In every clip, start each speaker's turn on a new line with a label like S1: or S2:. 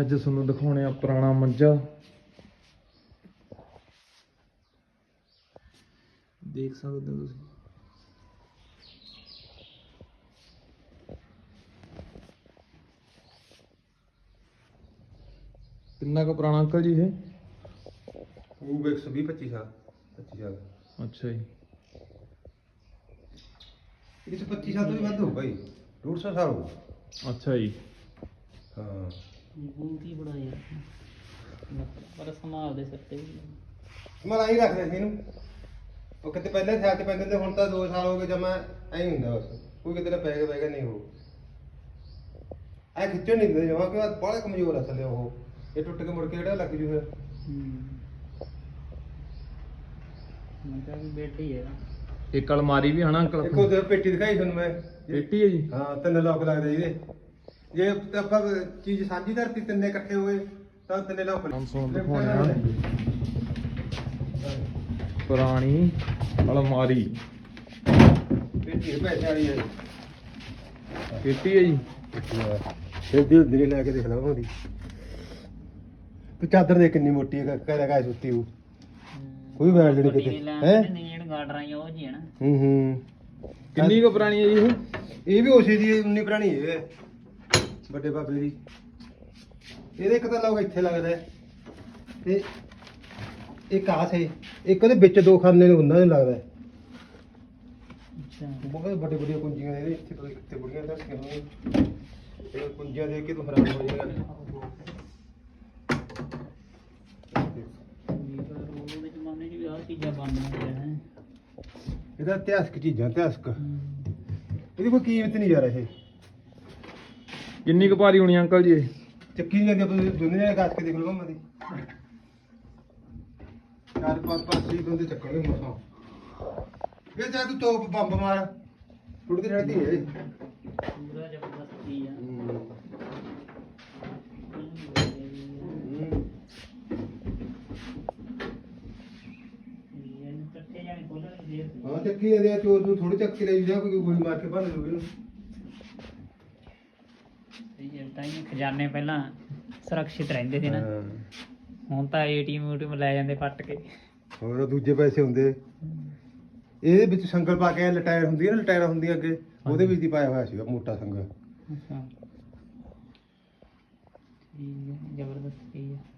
S1: ਅੱਜ ਤੁਹਾਨੂੰ ਦਿਖਾਉਣੇ ਆ ਪੁਰਾਣਾ ਮੰਜਾ। ਦੇਖ ਸਕਦੇ ਹੋ ਤੁਸੀਂ। ਕਿੰਨਾ ਕੁ ਪੁਰਾਣਾ ਅੰਕਲ ਜੀ ਇਹ?
S2: ਉਹ 120-25 ਸਾਲ 25 ਸਾਲ।
S1: ਅੱਛਾ ਜੀ।
S2: ਇਹ 25 ਸਾਲ ਤੋਂ ਵੀ ਵੱਧ ਹੋ ਭਾਈ, 150 ਸਾਲ ਹੋ।
S1: ਅੱਛਾ ਜੀ।
S2: ਹਾਂ
S3: ਬਹੁਤ ਹੀ ਬੜਾ ਯਾਰ, ਪਰ ਸੰਭਾਲ ਦੇ ਸਿਰ ਤੇ ਵੀ
S2: ਮੈਂ ਆਹੀ ਰੱਖਦੇ ਸੀ ਇਹਨੂੰ। ਉਹ ਕਿਤੇ ਪਹਿਲੇ ਸਿਆਲ 'ਚ ਪੈਂਦੇ ਤੇ ਹੁਣ ਤਾਂ 2 ਸਾਲ ਹੋ ਗਏ ਜਮਾ ਐਂ ਹੀ ਹੁੰਦਾ ਬਸ। ਕੋਈ ਕਿਤੇ ਨਾ ਪੈ ਗਿਆ ਨਹੀਂ ਹੋ ਐ ਖਿੱਚਣ ਨਹੀਂ ਦਿੰਦੇ ਜਮਾ ਕਿ ਬਾਹਲੇ ਕਮਜ਼ੋਰ ਆ ਥੱਲੇ ਉਹ। ਇਹ ਟੁੱਟ ਕੇ ਮੁੜ ਕੇ ਜਿਹੜਾ ਲੱਗ ਜੂ ਫਿਰ।
S3: ਮੈਂ ਕਿਹਾ ਵੀ ਬੈਠ ਹੀ ਹੈ।
S1: ਇੱਕ ਅਲਮਾਰੀ ਵੀ ਹਨਾ ਅੰਕਲ?
S2: ਦੇਖੋ ਤੇ ਪੇਟੀ ਦਿਖਾਈ ਤੁਹਾਨੂੰ ਮੈਂ।
S1: ਪੇਟੀ ਹੈ ਜੀ?
S2: ਹਾਂ 3 ਲੋਕ ਲੱਗਦੇ ਜਿਹਦੇ। ਜੇ ਆਪਾਂ ਚੀਜ਼ ਸਾਂਝੀ ਧਰਤੀ 3 ਇਕੱਠੇ ਹੋਏ ਤਾਂ 3 ਲੋਕ।
S1: ਹੁਣ ਤੁਹਾਨੂੰ ਦਿਖਾਉਣੇ ਆ ਪੁਰਾਣੀ ਅਲਮਾਰੀ।
S2: ਪੇਟੀ ਪੈਸੇ ਵਾਲੀ ਹੈ।
S1: ਪੇਟੀ ਹੈ ਜੀ?
S2: ਫਿਰ ਦੀ ਲੈ ਕੇ ਦੇਖ ਲਵਾਂ ਉਹਦੀ। ਤੂੰ ਚਾਦਰ ਦੇ ਕਿੰਨੀ ਮੋਟੀ ਹੈ, ਕਹਿ ਸੁੱਤੀ ਉਹ। ਕੋਈ ਵੈਲ ਨਹੀਂ ਕਿਤੇ ਹੈ।
S3: ਨੀੜ ਗਾਰਡਰ ਆਈਆਂ ਉਹ ਜੀ ਹੈ ਨਾ।
S1: ਕਿੰਨੀ ਕੁ ਪੁਰਾਣੀ ਹੈ ਜੀ ਇਹ?
S2: ਇਹ ਵੀ ਉਸੇ ਦੀ ਉਨੀ ਪੁਰਾਣੀ ਹੈ, ਵੱਡੇ ਬਾਬੇ ਦੀ। ਇਹਦੇ ਇੱਕ ਤਾਂ ਲੋਕ ਇੱਥੇ ਲੱਗਦਾ ਤੇ ਇੱਕ ਆਹ ਸੇ, ਇੱਕ ਉਹਦੇ ਵਿੱਚ 2 ਖਾਨੇ ਨੇ ਉਹਨਾਂ ਨੂੰ ਲੱਗਦਾ।
S3: ਅੱਛਾ
S2: ਬਹੁਤ ਵੱਡੇ ਵੱਡੀਆਂ ਕੁੰਜੀਆਂ ਨੇ ਇਹਦੇ। ਇੱਥੇ ਪਤਾ ਕਿੱਥੇ ਬੁੜੀਆਂ ਧਰਤੀਆਂ ਹੋਣਗੀਆਂ। ਇਹ ਕੁੰਜੀਆਂ ਦੇਖ ਕੇ ਤੂੰ ਹੈਰਾਨ ਹੋ ਜਾਏਗਾ।
S3: ਉਹਦੇ ਜ਼ਮਾਨੇ 'ਚ ਵੀ ਆਹ ਚੀਜ਼ਾਂ ਬਣਦੀਆਂ ਹੈ।
S2: ਇਹਦਾ ਇਤਿਹਾਸਕ ਚੀਜ਼ਾਂ, ਇਤਿਹਾਸਕ। ਇਹਦੀ ਕੋਈ ਕੀਮਤ ਨਹੀਂ ਯਾਰ। ਇਹ
S1: ਕਿੰਨੀ ਕੁ ਭਾਰੀ ਹੋਣੀ ਅੰਕਲ ਜੀ ਇਹ?
S2: ਚੱਕੀ ਨਹੀਂ ਜਾਂਦੀ। ਆਪਾਂ ਦੋਨੇ ਜਣੇ ਕੱਸ ਕੇ ਦੇਖ ਲਵਾਂ ਮਦੀ। 4-5 ਸੀ ਬੰਦੇ ਚੱਕਣਗੇ ਮਸਾਂ। ਇਹ ਚਾਹ ਤੂੰ ਤੋਪ ਬੰਬ ਮਾਰ ਟੁੱਟਦੀ ਰਹਿੰਦੀ ਹੈ।
S3: ਪੂਰਾ ਜ਼ਬਰਦਸਤ ਚੀਜ਼ ਆ। ਇਹਨੂੰ ਕੱਟੇ ਜਾਣੇ ਖੋਲਣ ਦੀ ਦੇਰ
S2: ਹਾਂ ਚੱਕੀ ਜਾਂਦੇ ਆ। ਚੋਰ ਨੂੰ ਥੋੜੀ ਚੱਕੀ ਲਈ ਜਾ, ਕੋਈ ਗੋਲੀ ਮਾਰ ਕੇ ਭੰਨ ਲੂ ਇਹਨੂੰ।
S3: ਤਾਂ ਹੀ ਖਜ਼ਾਨੇ ਪਹਿਲਾਂ ਸੁਰੱਖਿਅਤ ਰਹਿੰਦੇ ਸੀ ਨਾ। ਹੁਣ ਤਾਂ ਏਟੀਐਮ ਲੈ ਜਾਂਦੇ ਪੱਟ ਕੇ।
S2: ਹੋਰ ਦੂਜੇ ਪੈਸੇ ਹੁੰਦੇ। ਇਹਦੇ ਵਿੱਚ ਸੰਗਲ ਪਾ ਕੇ ਲਟਾਇਰ ਹੁੰਦੀ ਹੈ ਨਾ, ਲਟਾਇਰਾਂ ਹੁੰਦੀਆਂ ਅੱਗੇ, ਉਹਦੇ ਵਿੱਚ ਹੀ ਪਾਇਆ ਹੋਇਆ ਸੀਗਾ ਮੋਟਾ ਸੰਗਲ।
S3: ਅੱਛਾ ਠੀਕ ਹੈ, ਜ਼ਬਰਦਸਤ ਚੀਜ਼ ਹੈ।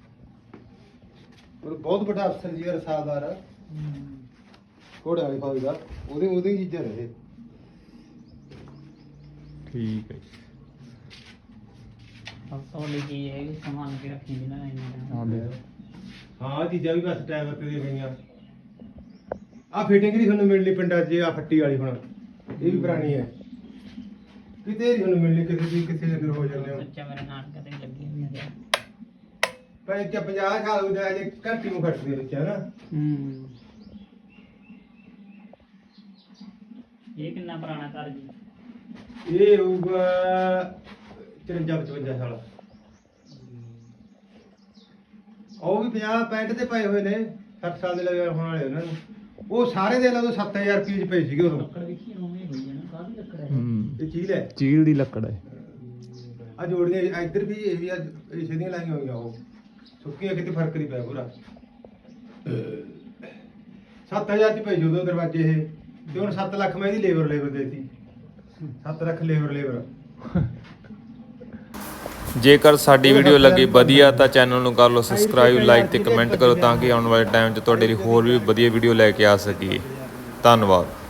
S2: ਉਹ ਬਹੁਤ ਵੱਡਾ ਅਫਸਰ ਜੀ ਰਸਾਲਦਾਰ ਆ ਘੋੜੇ ਵਾਲੀ ਫੌਜ ਦਾ। ਉਹਦੀ ਚੀਜ਼ਾਂ ਰਹੇ।
S1: ਠੀਕ ਹੈ ਜੀ।
S3: ਸਭ ਤੋਂ ਵੱਡੀ ਚੀਜ਼ ਹੈ ਵੀ ਸੰਭਾਲ ਕੇ ਰੱਖੀ ਦੀ ਨਾ ਇਹਨਾਂ
S1: ਹਾਂ
S3: ਨੇ।
S1: ਦੇਖ।
S2: ਹਾਂ ਚੀਜ਼ਾਂ ਵੀ ਬਸ ਟਾਈਮ ਤੇ ਦੇ ਗਈਆਂ। ਆ ਫਿਟਿੰਗ ਨਹੀਂ ਤੁਹਾਨੂੰ ਮਿਲਣੀ ਪਿੰਡਾਂ 'ਚ। ਆ ਫੱਟੀ ਵਾਲੀ ਹੁਣ ਇਹ ਵੀ ਪੁਰਾਣੀ ਹੈ। ਕਿਤੇ ਨਹੀਂ ਤੁਹਾਨੂੰ ਮਿਲਣੀ, ਕਿਸੇ ਦੀ ਕਿਸੇ ਦੇ ਹੋ ਜਾਂਦੇ ਹੋ।
S3: ਬੱਚਾ ਮੇਰੇ ਨਾਨਕੇ ਤੇ ਵੀ ਲੱਗੀ ਹੋਈ ਹੈ।
S2: ਪਰ ਇੱਥੇ 50 ਸਾਲ ਹੋ ਗਿਆ ਜੇ ਘੰਟੀ ਨੂੰ ਖੜਦੇ ਵਿੱਚ ਹੈ ਨਾ।
S3: ਇਹ ਕਿੰਨਾ ਪੁਰਾਣਾ ਘਰ ਜੀ?
S2: ਇਹ ਹੋਊਗਾ 54-55 ਸਾਲ। ਉਹ ਵੀ 50-65 ਤੇ ਪਏ ਹੋਏ ਨੇ। 60 ਸਾਲ ਦੇ ਲੱਗੇ ਹੋਣ ਵਾਲੇ ਉਹਨਾਂ ਨੂੰ। ਉਹ ਸਾਰੇ ਦੇ ਲਾ 7000 ਰੁਪਏ ਚ ਪਏ ਸੀਗੇ ਉਦੋਂ।
S3: ਲੱਕੜ ਵੇਖੀ ਉਵੇਂ ਹੋਈ ਹੈ ਨਾ, ਕਾਹਦੀ ਲੱਕੜ ਹੈ?
S2: ਇਹ ਚੀਲ ਹੈ,
S1: ਚੀਲ ਦੀ ਲੱਕੜ ਹੈ।
S2: ਆ ਜੋੜੀਆਂ ਇੱਧਰ ਵੀ ਇਹ ਵੀ ਇਸੇ ਦੀਆਂ ਲਾਈਆਂ ਹੋਈਆਂ। ਉਹ ਸੁੱਕੀਆਂ, ਕਿਤੇ ਫਰਕ ਨਹੀਂ ਪਿਆ ਪੂਰਾ। 7000 ਚ ਪਏ ਸੀ ਉਦੋਂ ਦਰਵਾਜ਼ੇ ਇਹ। ਤੇ ਹੁਣ 7 ਲੱਖ ਮੈਂ ਇਹਦੀ ਲੇਬਰ ਦੇਤੀ। 7 ਲੱਖ ਲੇਬਰ।
S1: ਜੇਕਰ ਸਾਡੀ ਵੀਡੀਓ ਲੱਗੀ ਵਧੀਆ ਤਾਂ ਚੈਨਲ ਨੂੰ ਕਰ ਲਓ ਸਬਸਕ੍ਰਾਈਬ, ਲਾਈਕ ਤੇ ਕਮੈਂਟ ਕਰੋ ਤਾਂ ਕਿ ਆਉਣ ਵਾਲੇ ਟਾਈਮ 'ਚ ਤੁਹਾਡੇ ਲਈ ਹੋਰ ਵੀ ਵਧੀਆ ਵੀਡੀਓ ਲੈ ਕੇ ਆ ਸਕੀਏ। ਧੰਨਵਾਦ।